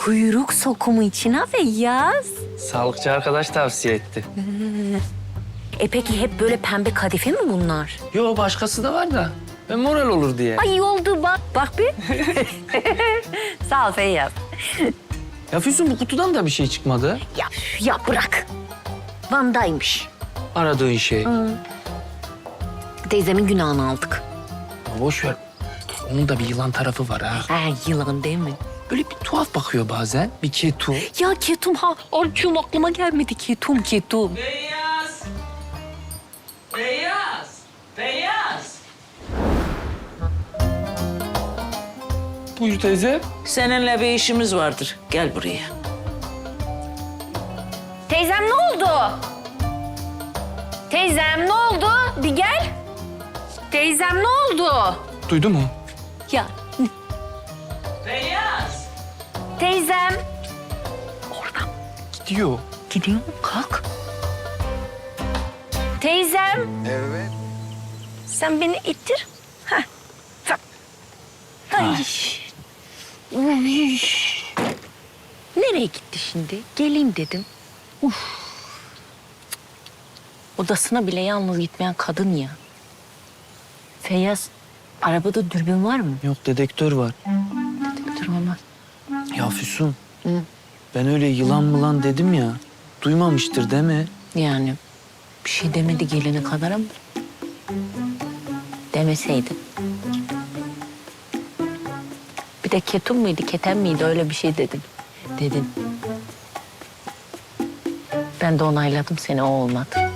Kuyruk sokumu için ha Feyyaz. Sağlıkçı arkadaş tavsiye etti. Peki hep böyle pembe kadife mi bunlar? Yo başkası da var da. Moral olur diye. Ay iyi oldu bak. Bak bir. Sağ ol Feyyaz. Ya Füsun bu kutudan da bir şey çıkmadı. Ya bırak. Van'daymış. Aradığın şey. Teyzemin günahını aldık. Ya boş ver. Onun da bir yılan tarafı var ha. Yılan değil mi? Böyle bir tuhaf bakıyor bazen. Bir ketum. Ya ketum ha. Arçum aklıma gelmedi ketum. Beyaz! Beyaz! Beyaz! Buyur teyze. Seninle bir işimiz vardır. Gel buraya. Teyzem ne oldu? Teyzem ne oldu? Bir gel. Teyzem ne oldu? Duydu mu? Ya Beyaz! teyzem. Oradan Gidiyor. gidiyor mu? Kalk. Teyzem. Evet. Sen beni ittir. Heh. Bak. Ay. Uy. Nereye gitti şimdi? Geleyim dedim. Odasına bile yalnız gitmeyen kadın ya. Feyyaz, arabada dürbün var mı? Yok dedektör var. Dur olmaz. Ya Füsun. Ben öyle yılan mılan dedim ya. Duymamıştır değil mi? Yani bir şey demedi gelene kadar ama demeseydi. Bir de ketum muydu, keten miydi öyle bir şey dedin. Dedin. Ben de onayladım seni, o olmadı.